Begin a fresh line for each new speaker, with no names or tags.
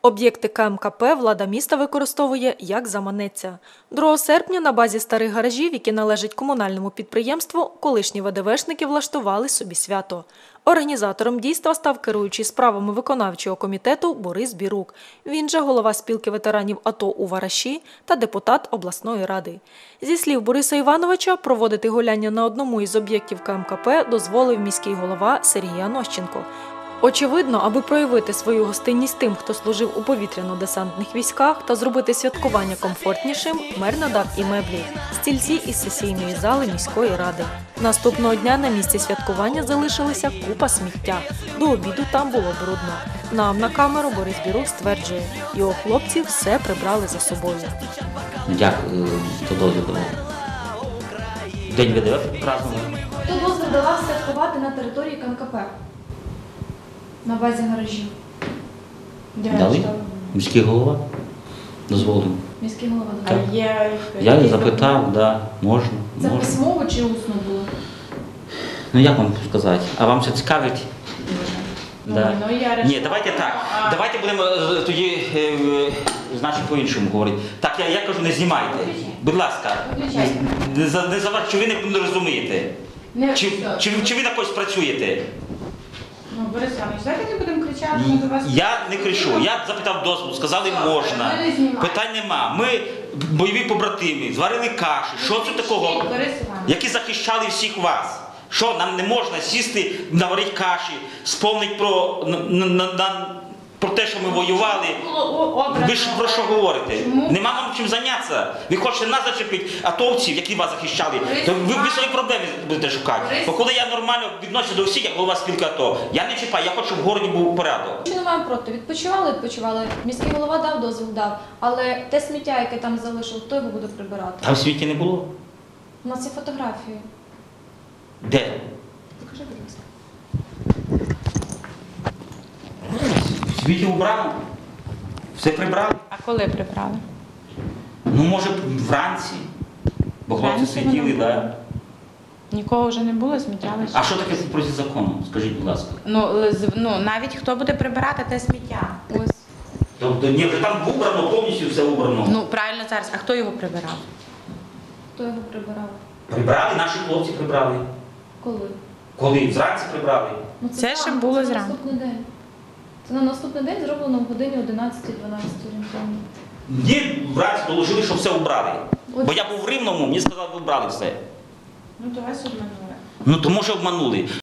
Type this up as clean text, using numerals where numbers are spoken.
Об'єкти КМКП влада міста використовує як заманеться. 2 серпня на базі старих гаражів, які належать комунальному підприємству, колишні ВДВшники влаштували собі свято. Організатором дійства став керуючий справами виконавчого комітету Борис Бірук. Він же голова спілки ветеранів АТО у Вараші та депутат обласної ради. Зі слів Бориса Івановича, проводити гуляння на одному із об'єктів КМКП дозволив міський голова Сергій Анощенко. Очевидно, аби проявити свою гостинність тим, хто служив у повітряно-десантних військах та зробити святкування комфортнішим, мер надав і меблі – стільці із сесійної зали міської ради. Наступного дня на місці святкування залишилася купа сміття. До обіду там було брудно. Нам на камеру Борис Бірук стверджує, його хлопці все прибрали за собою.
Дякую, хто дозвіл давав. День ВДВ празднували.
Хто дозвіл давав святкувати на території КМКП? На базі гаражів.
Дали? Міський голова дозволив.
Міський голова
Так.
дав.
Я її запитав, да, можна.
Це
можна.
письмово чи усно було?
Ну як вам сказати? А вам це цікавить? Да. Ні, давайте так. Давайте будемо тоді, значить, по-іншому говорити. Так, я кажу, не знімайте. Будь ласка. Не заважайте, чи ви не розумієте? Чи ви на когось працюєте?
Ну, Борис Іванович, давайте не будемо кричати до вас.
Я не кричу, я запитав дозволу, сказали можна. Питань нема. Ми бойові побратими, зварили каші. Що це такого?
Борис Іванович.
Які захищали всіх вас. Що, нам не можна сісти, наварити каші, сповнити про те, що ми воювали. Ви ж про що говорите? Нема нам чим зайнятися. Ви хочете нас зачепити, атовців, які вас захищали. То ви свої проблеми будете шукати. Бо коли я нормально відношуся до всіх, як голова спілки АТО, я не чіпаю, я хочу, щоб в городі був порядок.
Що не маємо проти? Відпочивали. Міський голова дав дозвіл, дав. Але те сміття, яке там залишив, хто його буде прибирати?
Там в світі не було?
У нас є фотографії.
Де?
Покажи, будь ласка.
В світі убрано. Все прибрали.
А коли прибрали?
Ну, може, вранці. Бо хлопці
Вранці
сиділи,
воно було.
так.
Нікого вже не було, сміття лише.
А що таке проти закону? Скажіть, будь ласка.
Ну, навіть хто буде прибирати те сміття? Ось.
Тобто, ні, вже там убрано, повністю все убрано.
Ну, правильно зараз. А хто його прибирав?
Хто його прибирав?
Прибрали, наші хлопці прибрали.
Коли?
Коли? Вранці прибрали.
Ну,
Це ще
зранку,
було
це
зранку.
наступний день. Це на наступний день зроблено в годині 11-12 орієнтовно.
Ні, вранці доложили, що все убрали. Бо я був в Рівному, мені сказали, ви вбрали все.
Ну, то вас обманули.
Ну, то може обманули.